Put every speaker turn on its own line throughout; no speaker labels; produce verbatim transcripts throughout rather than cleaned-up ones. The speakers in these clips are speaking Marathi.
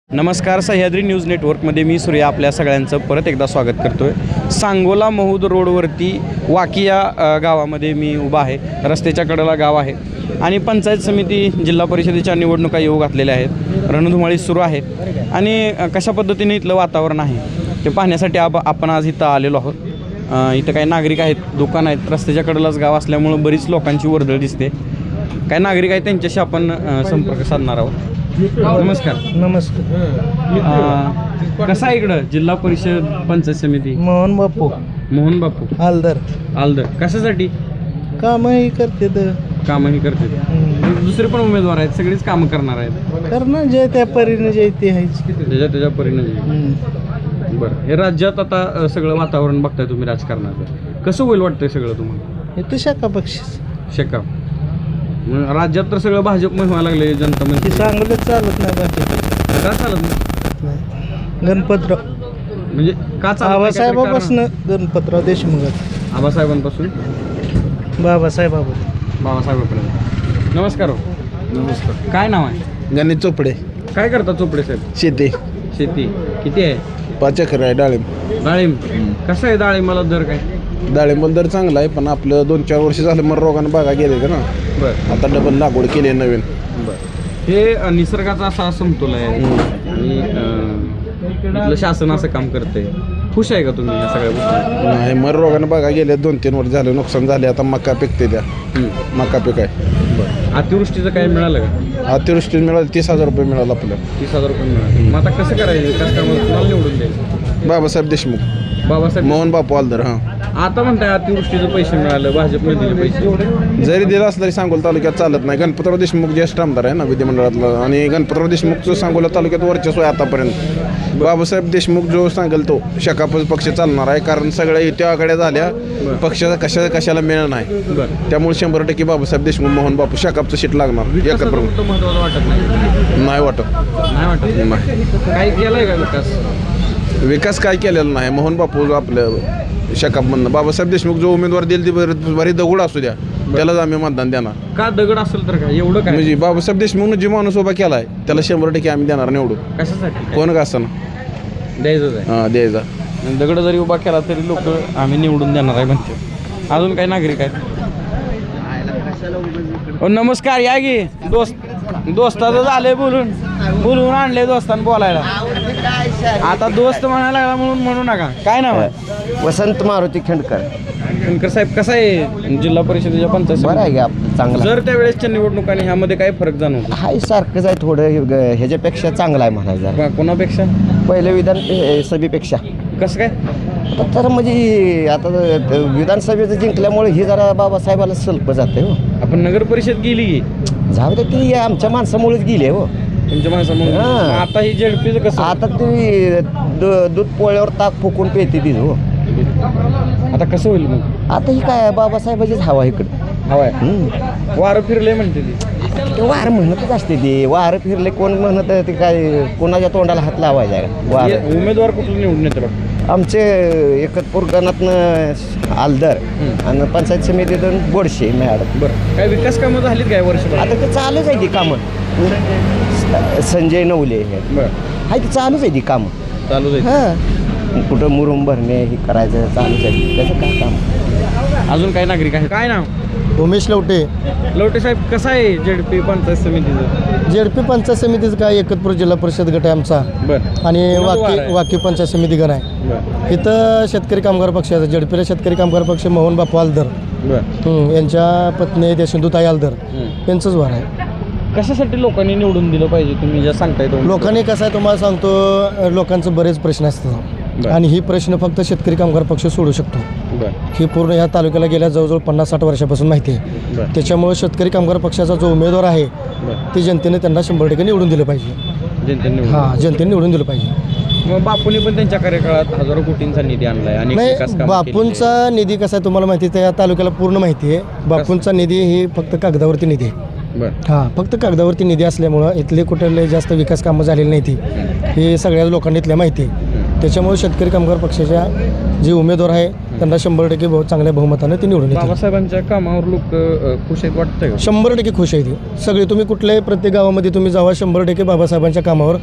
नमस्कार. सह्याद्री न्यूज नेटवर्कमध्ये मी सूर्या आपल्या सगळ्यांचं परत एकदा स्वागत करतो आहे. सांगोला महूद रोडवरती वाकी या अ, गावामध्ये मी उभा आहे. रस्त्याच्या कडेला गाव आहे आणि पंचायत समिती जिल्हा परिषदेच्या निवडणुका येऊ घातलेल्या आहेत. रणधुमाळी सुरू आहे आणि अ, कशा पद्धतीने इथलं वातावरण आहे ते पाहण्यासाठी आप आपण आज इथं आलेलो आहोत. अ, इथं काही नागरिक आहेत, दुकान आहेत. रस्त्याच्या कडेलाच गाव असल्यामुळं बरीच लोकांची वर्दळ दिसते. काही नागरिक आहेत त्यांच्याशी आपण अ, संपर्क साधणार आहोत. नमस्कार.
नमस्कार.
अ, कसं आहे इकडं जिल्हा परिषद पंचायत समिती?
मोहन बापू
मोहन बापू
हालदर
आलदर कशासाठी
कामही करते तर
कामही करते? दुसरे पण उमेदवार आहेत, सगळीच कामं करणार आहेत.
करणार जे त्या परीने जे ते आहेच.
त्याच्या त्याच्या परिणाम. बरं, हे राज्यात आता अ, सगळं वातावरण बघताय तुम्ही राजकारणाचं, कसं होईल वाटतंय सगळं तुम्हाला?
हे तर शाखा पक्ष
शेका मग राज्यात तर सगळं भाजपमय व्हायला लागले. जनता
ते
म्हणजे
सांगलंच चालत नाही बाकी
का चालत नाही?
गणपतराव
म्हणजे का चालत नाही?
बाबासाहेबापासून गणपतराव देशमुख
आबासाहेबांपासून
बाबासाहेबाबा
बाबासाहेबांपर्यंत. नमस्कार. हो.
नमस्कार.
काय नाव आहे?
गणित चोपडे.
काय करता चोपडे साहेब?
शेती
शेती किती आहे?
पाच एकर आहे. डाळिंब
डाळिंब कसं आहे? डाळिंबाला दर काय?
डाळिंब दर चांगला आहे, पण आपलं दोन चार वर्ष झालं मग रोगानं बागा गेले का ना.
बरं
आता डबल लागवड केली आहे नवीन.
बरं. हे अ, निसर्गाचा असा समतोल आहे आणि अ, इथलं शासन असं काम करते. खुश आहे का तुम्ही या सगळ्या गोष्टी?
नाही, मर रोगानं बागा गेले, दोन तीन वर्ष झाले नुकसान झाले. आता मका पिकते द्या. मका पीक आहे.
बरं. अतिवृष्टीचं काय मिळालं का?
अतिवृष्टी मिळालं तीस हजार रुपये मिळालं आपल्याला.
तीस हजार रुपये मिळाले. मग आता कसं करायचं? विकास कामाला कुणाला निवडून द्यायचं?
बाबासाहेब देशमुख.
बाबासाहेब
मोहन बापू हालदर. हां,
आता म्हणताय अतिवृष्टीचे पैसे मिळाले, भाजपने दिले पैसे.
जरी दिलं असलं तरी सांगोला तालुक्यात चालत नाही. गणपतराव देशमुख ज्येष्ठ आमदार आहे ना विधिमंडळातला, आणि गणपतराव देशमुखचं सांगोला तालुक्यात वर्चस्व आहे आतापर्यंत. बाबासाहेब देशमुख जो सांगेल तो शकाप पक्ष चालणार आहे, कारण सगळ्या युत्या आघाड्या झाल्या, पक्षाचा कशा कशाला मिळणार नाही.
बरं.
त्यामुळे शंभर टक्के बाबासाहेब देशमुख मोहन बापू शकापचं सीट लागणार. एकत्र
मोठं महत्त्वाचं वाटत नाही?
नाही वाटत.
नाही वाटत.
नाही.
काय केलंय का विकास?
विकास काय केलेला नाही. मोहन बापू जो आपलं शकापमधनं बाबासाहेब देशमुख जो उमेदवार देईल ती बरी दगड असू द्या, त्यालाच आम्ही मतदान देणार.
का दगड असेल तर काय एवढं काय?
म्हणजे बाबासाहेब देशमुखनं जे माणूस उभा केला आहे त्याला शंभर टक्के आम्ही देणार निवडून.
कशासाठी?
कोण का असताना
द्यायचंच आहे.
हां, द्यायचा.
दगड जरी उभा केला तरी लोक आम्ही निवडून देणार आहे म्हणते. अजून काही नागरिक आहेत? ओ, नमस्कार. या गी दोस्त दोस्ताचं झालंय बोलून बोलून आणले दोस्तान बोलायला. आता दोस्त म्हणायला लागला म्हणून म्हणू नका. काय नाव आहे?
वसंत मारुती खेंडकर.
शंकर साहेब, कसं आहे जिल्हा परिषदेच्या पंचायत
बरं आहे
समिती?
का आपलं चांगला?
जर त्यावेळेसच्या निवडणुकांनी ह्यामध्ये काय फरक जाणवतो?
हाय सारखंच आहे, थोडं ग- ह्याच्यापेक्षा चांगला आहे म्हणायचं.
का- कोणापेक्षा?
पहिलं विधान ए, सभेपेक्षा
कसं काय?
आता तर म्हणजे आता त- विधानसभेचं जिंकल्यामुळे ही जरा बाबासाहेबाला सल्प जाते हो.
आपण नगर परिषद गेली की
जाऊ दे, ती आमच्या माणसामुळेच गेली आहे हो.
तुमच्या माणसामुळे.
हां.
आता ही झेडपीचं कसं?
आता ती द- दूध पोळ्यावर ताक फुकून पेते ती हो.
आता कसं होईल मग?
आता ही काय बाबासाहेबाचीच हवा इकडं.
हवाय
हम्म.
वारं फिरले म्हणते ती.
ते वार म्हणतच असते ती. वारं फिरले कोण म्हणत ते काय कोणाच्या तोंडाला हात लावायचा आहे वार.
हे उमेदवार कुठलं निवडून येतं बघ?
आमचे एकतपूर गणातनं आलदर आणि पंचायत समितीतून बोडशे मॅडम.
बरं, काय विकास कामं झालीत काय वर्षभर?
आता ते चालूच आहे ती कामं. संजय नवले हे
बरं,
हाय, ती चालूच आहे ती कामं.
चालू जाईल.
हां, कुठं मुरुम भरणे हे करायचं चालूच आहे. त्याचं काय काम?
अजून काय नागरिक आहे? काय नाव?
उमेश लवटे.
लवटे साहेब, कसं आहे झेडपी पंचायत समितीचं?
जेडपी पंचायत समितीचं काय एकतपूर जिल्हा परिषद गट आहे आमचा,
बरं.
आणि
कोणाचं वार
वाकी
आहे?
वाकी पंचायत समिती गण आहे.
बरं
इथं शेतकरी कामगार पक्षाचा जेडपीला शेतकरी कामगार पक्ष मोहन बापू आलदर
बरं.
हं, यांच्या पत्नी त्या सिंधुताई आलदर
हं.
यांचंच वार आहे.
कशासाठी लोकांनी निवडून दिलं पाहिजे तुम्ही ज्या सांगताय तो?
लोकांनी कसं आहे तुम्हाला सांगतो, लोकांचं बरेच प्रश्न असतात
बरं.
आणि ही प्रश्न फक्त शेतकरी कामगार पक्ष सोडू शकतो.
बरं
ही पूर्ण ह्या तालुक्याला गेल्या जवळजवळ पन्नास साठ वर्षापासून माहिती आहे.
बरं
त्याच्यामुळे शेतकरी कामगार पक्षाचा जो उमेदवार आहे
बरं.
ते जनतेने त्यांना शंभर टक्के निवडून दिलं पाहिजे.
जनतेने निवडून.
हां, जनतेने निवडून दिलं पाहिजे.
मग बापूंनी पण त्यांच्या कार्यकाळात हजारो कोटींचा निधी आणलाय आणि
नाही, बापूंचा निधी कसा आहे तुम्हाला माहिती आहे, या तालुक्याला पूर्ण माहिती आहे. बापूंचा निधी ही फक्त कागदावरती निधी आहे.
बरं
हां, फक्त कागदावरती निधी असल्यामुळं इथले कुठले जास्त विकास कामं झालेली नाही ती हे सगळ्या लोकांनी इथल्या माहिती आहे. त्याच्यामुळे शेतकरी कामगार पक्षाच्या जे उमेदवार आहे त्यांना शंभर टक्के बहु चांगल्या बहुमतानं ते निवडून येतील.
बाबासाहेबांच्या कामावर लोक अ, खुश आहेत वाटतंय का?
शंभर टक्के खुश आहे ती सगळी. तुम्ही कुठल्याही प्रत्येक गावामध्ये तुम्ही जावा, शंभर टक्के बाबासाहेबांच्या कामावर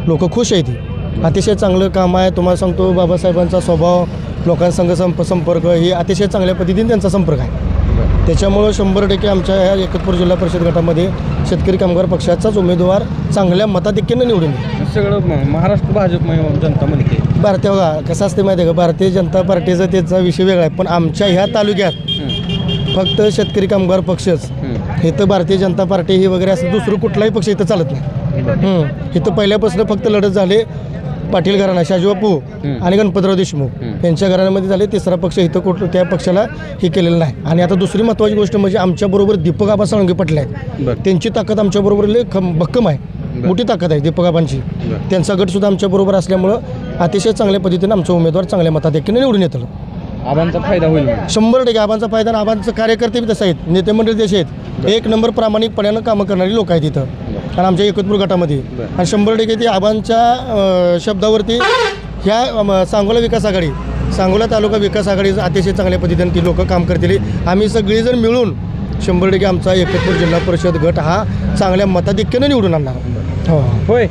लोक खुश आहेत ती अतिशय चांगलं काम आहे. तुम्हाला सांगतो बाबासाहेबांचा स्वभाव लोकांसंग संप संपर्क ही अतिशय चांगल्या पद्धतीने त्यांचा संपर्क आहे. त्याच्यामुळं शंभर टक्के आमच्या ह्या एकतपूर जिल्हा परिषद गटामध्ये शेतकरी कामगार पक्षाचाच उमेदवार चांगल्या मताधिक्यानं निवडून येईल.
सगळं म- महाराष्ट्र भाजपमय जनता म्हणते.
भारतीय बघा कसं असते माहिती आहे का, भारतीय जनता पार्टीचा त्याचा विषय वेगळा आहे, पण आमच्या ह्या तालुक्यात फक्त शेतकरी कामगार पक्षच इथं भारतीय जनता पार्टी ही वगैरे असं दुसरं कुठलाही पक्ष इथं चालत नाही. हं. इथं पहिल्यापासून फक्त लढत झाले पाटील घराणा शाजीबापू आणि गणपतराव देशमुख यांच्या घराण्यामध्ये झाले. तिसरा पक्ष इथं कुठं त्या पक्षाला हे केलेलं नाही. आणि आता दुसरी महत्त्वाची गोष्ट म्हणजे आमच्याबरोबर दीपक आबा साळुंके पाटील आहेत. त्यांची ताकद आमच्याबरोबर लय खम भक्कम आहे, मोठी ताकद आहे दीपक आबांची. त्यांचा गटसुद्धा आमच्याबरोबर असल्यामुळं अतिशय चांगल्या पद्धतीने आमचा उमेदवार चांगल्या मताधिक्याने निवडून येतो.
आबांचा फायदा होईल.
शंभर टक्के आबांचा फायदा आणि आबांचं कार्यकर्ते बी तसे आहेत, नेते मंडळी तसे आहेत. एक नंबर प्रामाणिकपणानं कामं करणारी लोक आहेत इथं आणि आमच्या एकतपूर गटामध्ये. आणि शंभर टक्के ती आबांच्या अं, शब्दावरती ह्या अं, सांगोला विकास आघाडी सांगोला तालुका विकास आघाडी अतिशय चांगल्या पद्धतीने ती लोकं काम करतील. आम्ही सगळीजण मिळून शंभर टक्के आमचा एकतपूर जिल्हा परिषद गट हा चांगल्या मताधिक्यानं निवडून आणणार. हो
होय.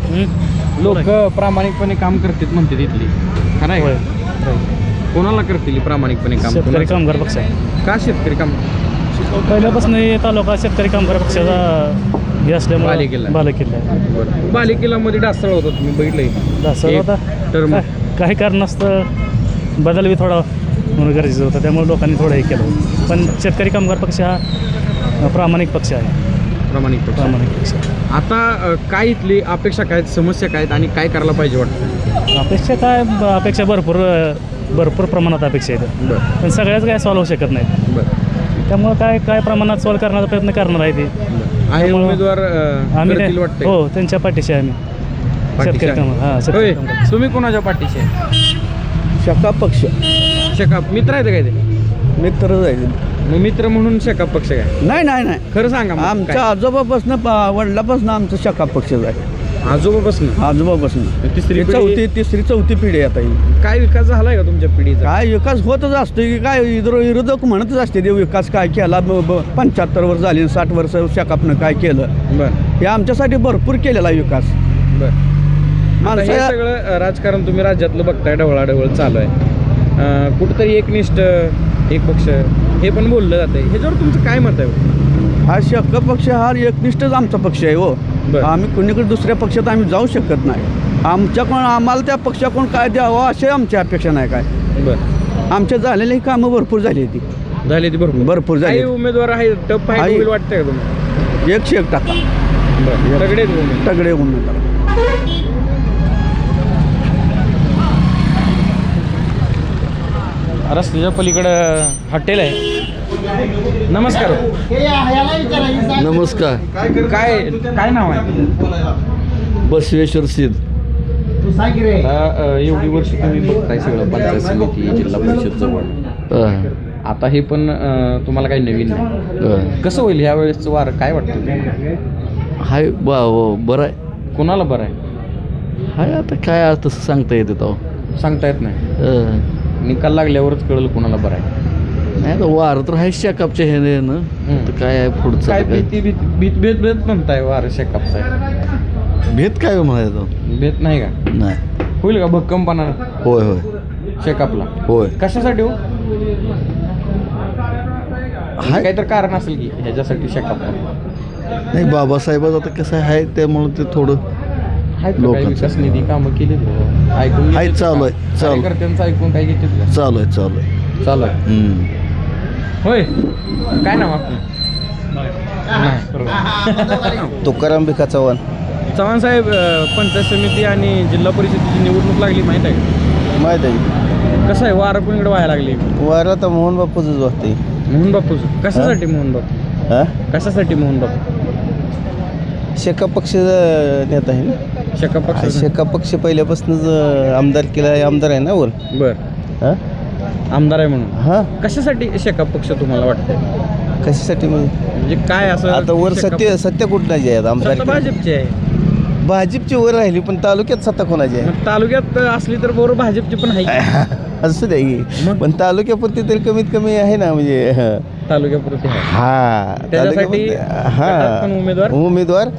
लोक प्रामाणिकपणे काम करतात म्हणते तिथली. खरं आहे का? कोणाला करतील प्रामाणिकपणे काम?
शेतकरी कामगार पक्ष आहे.
का शेतकरी काम?
पहिल्यापासून हे तालुका शेतकरी कामगार पक्षाचा हे असल्यामुळे
बालेकिल्ला.
बालेकिल्ला आहे.
बालेकिल्लामध्ये डासळ होता तुम्ही बघितलंय.
असं
एक
होता
term.
काय- काही कारण असतं बदल बी थोडा म्हणून गरजेचं होतं, त्यामुळे लोकांनी थोडं हे केलं. पण शेतकरी कामगार पक्ष हा प्रामाणिक पक्ष आहे.
प्रामाणिक पक्ष.
प्रामाणिक पक्ष
आता अ, काय इथली अपेक्षा काय आहेत, समस्या काय आहेत आणि काय करायला पाहिजे वाटतं?
अपेक्षा काय ब- अपेक्षा भरपूर भरपूर प्रमाणात अपेक्षा आहेत,
बरं
पण सगळ्याच काय सॉल्व होऊ शकत नाही.
बरं
त्यामुळं काय काय प्रमाणात सॉल्व करण्याचा प्रयत्न करणार आहे ते.
आहे
त्यामुळं
उमेदवार अ,
आम्ही
करतील
ते-
वाटतंय.
हो त्यांच्या पाठीशी आहे आम्ही.
पाठीशी
शेतकरी
आहे.
कामगार हां शेतकरी
होय.
कामगार.
तुम्ही कोणाच्या पाठीशी आहे?
शका पक्ष
शेकाप मित्र आहेत काय ते?
मित्र जाईल.
मग मित्र म्हणून शेकाप पक्ष काय?
नाही नाही नाही
खरं सांगा मग
आमच्या
काय?
आजोबापासून वडिलापासून आमचं शका पक्षच आहे.
आजोबापासून
आजोबापासून
तिसरी
ही
पिढी-
चौथी तिसरी चौथी पिढी आता ही.
काय विकास झालाय का तुमच्या पिढीचा?
काय विकास होतच असतो की काय विरो- विरोधक म्हणतच असते ते विकास काय केला पंच्याहत्तर वर्ष झाली साठ वर्ष शकापनं काय केलं.
बरं
हे आमच्यासाठी भरपूर केलेला आहे विकास.
बरं आता हे
माणसा
सगळं अ, राजकारण तुम्ही राज्यातलं बघताय, ढवळाढवळ चालू आहे. अ, कुठंतरी एकनिष्ठ एक पक्ष हे पण बोललं जातंय. ह्याच्यावर तुमचं काय मत आहे?
हा शक पक्ष हा एकनिष्ठच आमचा पक्ष आहे हो.
बरं.
आम्ही कुणीकडे दुसऱ्या पक्षात आम्ही जाऊ शकत नाही. आमच्या कोण आम्हाला त्या पक्षाकडून काय द्यावं अशी आमची अपेक्षा नाही काय.
बरं
आमच्या झालेली कामं भरपूर झाली ती
झाली ती भरपूर
भरपूर झाली.
काही उमेदवार आहे टप फाईट
आहे.
होईल वाटतंय का तुम्हाला?
एकशे एक टाका
बरं सगळे उमेदवार.
तगडे उमेदवार.
रस्त्याच्या पलीकडं हॉटेल आहे. नमस्कार.
नमस्कार.
काय काय नाव आहे?
बसवेश्वर सिद्ध.
आता अ, एवढी वर्ष तुम्ही बघताय सगळं पंचायत समिती जिल्हा परिषद जवळ.
अं,
आता हे पण अ, तुम्हाला काही नवीन नाही.
अं.
कसं होईल ह्या वेळेसचं वार काय वाटतं तुम्हाला?
हाय बा हो, बरं आहे.
कोणाला बरं आहे
हाय आता काय आज तसं सांगता येते तो.
सांगता येत नाही.
अं,
निकाल लागल्यावरच कळलं कोणाला बरं आहे.
नाही तर वार तर आहे शेकापच्या ह्याने ना.
हं.
तर काय आहे पुढचं
काय
आता काय
भीती भीत भीत भेद भेद म्हणताय वार शेकापचा आहे.
भेद काय म्हणायचं.
भेद नाही का?
नाही.
होईल का भक्कमपणा
होय होय
शेकापला?
होय.
कशासाठी हो?
हाय
काहीतरी कारण असेल की ह्याच्यासाठी शेकापला
नाही बाबासाहेबाचं आता कसं आहे त्यामुळं ते थोडं
आहेत का काही
लोकांचं.
विकास निधी कामं केली ऐकून
आहे,
घेतात
चालू
का?
आहे, चालू.
कार्यकर्त्यांचं ऐकून काय घेतात का?
चालू आहे चालू आहे.
चालू आहे.
हं.
होय. काय नाव आपलं? नाही.
तुकाराम भिका चव्हाण.
चव्हाण साहेब, अ, पंचायत समिती आणि जिल्हा परिषदेची निवडणूक लागली माहीत आहे का?
माहीत आहे
कसं आहे वारं कोणीकडे व्हायला लागली?
वारा तर मोहन बापूच वाटते.
मोहन बापूच कशासाठी? मोहन बापू
हा
कशासाठी? मोहन बापू
शेका पक्ष नेता आहे ना.
शेका पक्ष.
शेका पक्ष पहिल्यापासूनच आमदार केला आहे, आमदार आहे ना वर.
बर
हा
आमदार आहे म्हणून.
हा
कशासाठी शेका पक्ष तुम्हाला वाटतं?
कशासाठी म्हणजे
म्हणजे काय असं
आता वर
शेका-
सत्य सत्य कुठलाची आहेत आमदार?
सत्ता भाजपची आहे.
भाजपची वर राहिली पण तालुक्यात सत्ता कोणाची आहे?
मग तालुक्यात असली तर बरोबर भाजपची पण आहे की.
असू द्या की.
मग?
पण तालुक्यापुरती तरी कमीत कमी आहे ना म्हणजे हं.
तालुक्यापुरती आहे.
हा
त्याच्यासाठी
तालुक्यापुरती-
गटात पण उमेदवार?
उमेदवार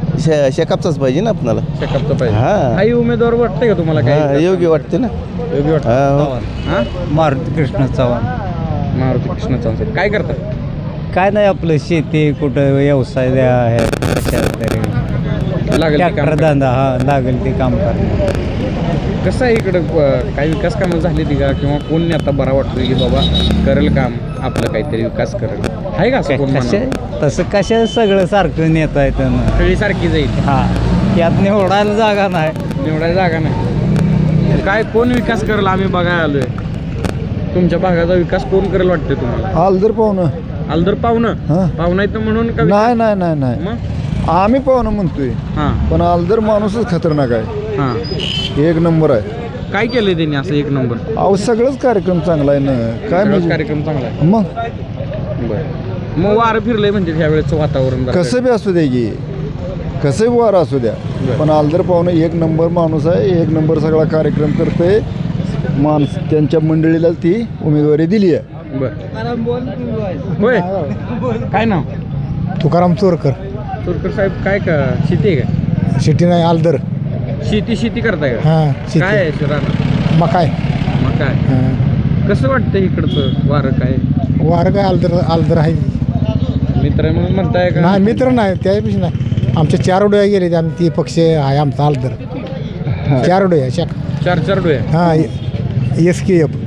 शे शेकापचाच पाहिजे ना आपणाला.
शेकापचा पाहिजे.
हां.
काही उमेदवार वाटते का तुम्हाला
हां,
काही
योग्य वाटते ना.
योग्य वाटतं?
हां.
हां?
मारुती कृष्ण चव्हाण.
मारुती कृष्ण चव्हाण काय करतात?
काय नाही आपलं शेती कुठं व्यवसाय द्या आहे कशात तरी
लागेल ते काम
ट्रॅक्टर
करा.
धंदा हा लागेल ते काम करणार.
कसं आहे इकडं अं, काही विकास कामं झाली ती का किंवा कोण नेता बरा वाटतो की बाबा करेल काम आपलं काहीतरी विकास करेल आहे का असं कोण
कशा
मानव?
तसं कशा सगळं सारखं नेता येतं ना.
सगळी सारखी जाईल
हा त्यात निवडायला जागा नाही.
निवडायला जागा नाही. काय कोण विकास करेल आम्ही बघायला आलोय. तुमच्या भागाचा विकास कोण करेल वाटते तुम्हाला?
आलदर पाहुणं.
आलदर पाहुणं
हां.
पाहुणा येतं म्हणून का
नाही नाही नाही नाही
मग
आम्ही पाहुणं म्हणतोय
हां
पण आलदर माणूसच खतरनाक आहे.
हां
एक नंबर आहे.
काय केलंय त्यांनी असं एक नंबर?
अहो सगळंच कार्यक्रम चांगला आहे ना. काय
सगळाच
म्हणजे
कार्यक्रम चांगला आहे.
मग
बरं मग वारं फिरलंय म्हणजे ह्या वेळेचं वातावरण जरा.
कसं बी असू द्या की कसंही वारं असू द्या पण आलदर पाहुणं एक नंबर माणूस आहे. एक नंबर सगळा कार्यक्रम करते. माणस त्यांच्या मंडळीला ती उमेदवारी दिली आहे.
बरं होय काय नाव?
तुकाराम चोरकर.
तुरकर साहेब काय का शेती आहे का?
शेती नाही आलदर.
शेती शेती करताय का?
हां
काय आहे राहणार
मकाय.
मग काय कसं वाटतं इकडचं वारं काय?
वारं काय आलदर आलदर आहे.
मित्र आहे म्हणून म्हणताय का?
नाही मित्र नाही त्यापेक्षा नाही. आमच्या चार डोळ्या गेले आम्ही ती पक्ष आहे आमचा आलदर. चार डोळ्या शाख
चार चार डोळे
हां एस के एफ.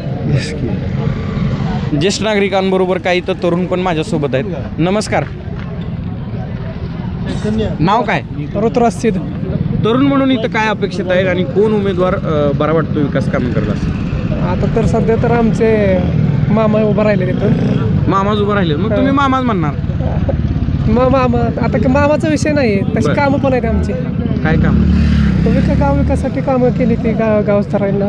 ज्येष्ठ नागरिकांबरोबर काही तर तरुण पण माझ्यासोबत आहेत. नमस्कार. नाव काय?
ऋतुराज सिद्ध.
तरुण म्हणून इथं काय अपेक्षित आहे आणि कोण उमेदवार अं, बरा वाटतो विकास काम करत असं?
आता तर सध्या तर आमचे मामा उभं राहिले तिथून.
मामाच उभं राहिले मग तुम्ही मामाच म्हणणार?
मग मामा आता का मामाचा विषय नाही आहे तशी
बरं.
कामं पण आहेत आमची.
काय काम?
तो विका गाव विकासासाठी कामं केली ती गाव गावस्तरांना.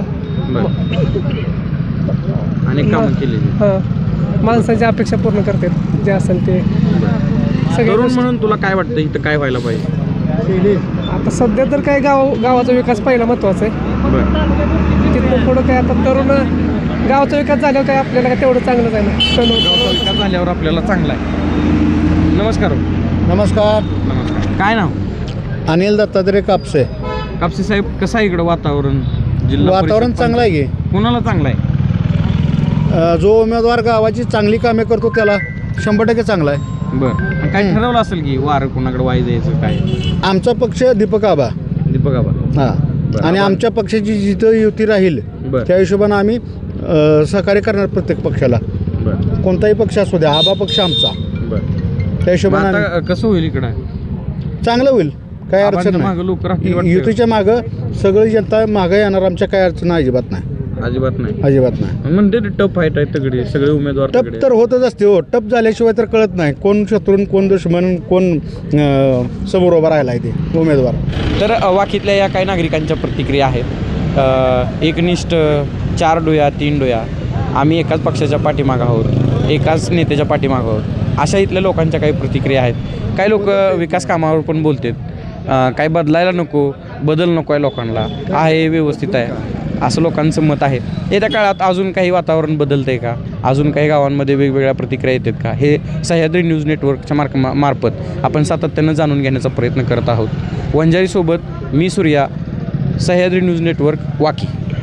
अनेक कामं केलेली.
हां माणसांच्या अपेक्षा पूर्ण करतात जे असेल ते सगळे
तरुण
गोष्टी.
म्हणून तुला काय वाटतं इथं काय व्हायला पाहिजे?
आता सध्या तर काय गाव गावाचा विकास पहिला महत्त्वाचा आहे.
बरं
तिथून पुढं काय आता तरुण गावाचा विकास झाल्यावर काय आपल्याला काय तेवढं चांगलंच आहे ना.
गावचा विकास झाल्यावर आपल्याला चांगला आहे. नमस्कार.
नमस्कार.
नमस्कार. काय नाव?
अनिल दत्तात्रय कापसे.
कापसे साहेब कसं आहे इकडं वातावरण? जिल्हा
वातावरण
परिषद
चांगलं आहे की
कोणाला चांगलं आहे?
अ, जो उमेदवार गावाची चांगली कामे करतो त्याला शंभर टक्के चांगला आहे.
बरं काय ठरवलं असेल की वारं कोणाकडे वाई द्यायचं काय?
आमचा पक्ष दीपक आबा.
दीपक आबा.
हां
बरं.
आणि आमच्या पक्षाची जिथं युती राहील
बरं.
त्या हिशोबानं आम्ही अ, सहकार्य करणार प्रत्येक पक्षाला.
बरं
कोणताही पक्ष असू द्या आबा पक्ष आमचा.
बरं
त्या
मग
हिशोबानं
आता कसं होईल इकडं?
आम्ही- चांगलं होईल काय अडचण
आबांच्या
नाही.
मागं लोक राहतील वाटतं.
युतीच्या मागं सगळी जनता मागं येणार आमच्या काय अडचण अजिबात नाही.
अजिबात नाही.
अजिबात नाही.
म्हणते टफ फाईट आहे तगडी सगळे उमेदवार
टप
तगडे.
तर होतच असते हो. टप झाल्याशिवाय तर कळत नाही कोण शत्रून कोण दुश्मन कोण अं, समोर उभा राहिला आहे ते उमेदवार.
तर अ, वाकीतल्या या काही नागरिकांच्या प्रतिक्रिया आहेत. अ, एकनिष्ठ चार डोया तीन डोया आम्ही एकाच पक्षाच्या पाठीमागं आहोत एकाच नेत्याच्या पाठीमागं आहोत अशा इथल्या लोकांच्या काही प्रतिक्रिया आहेत. काही लोक विकास कामावर पण बोलतात. काय बदलायला नको बदल नको आहे लोकांना आहे व्यवस्थित आहे असं लोकांचं मत आहे. येत्या काळात अजून काही वातावरण बदलतं आहे का? अजून काही गावांमध्ये वेगवेगळ्या प्रतिक्रिया येतात का? हे सह्याद्री न्यूज नेटवर्कच्या मार्क मा मार्फत आपण सातत्यानं जाणून घेण्याचा प्रयत्न करत आहोत. वंजारीसोबत मी सूर्या, सह्याद्री न्यूज नेटवर्क, वाकी.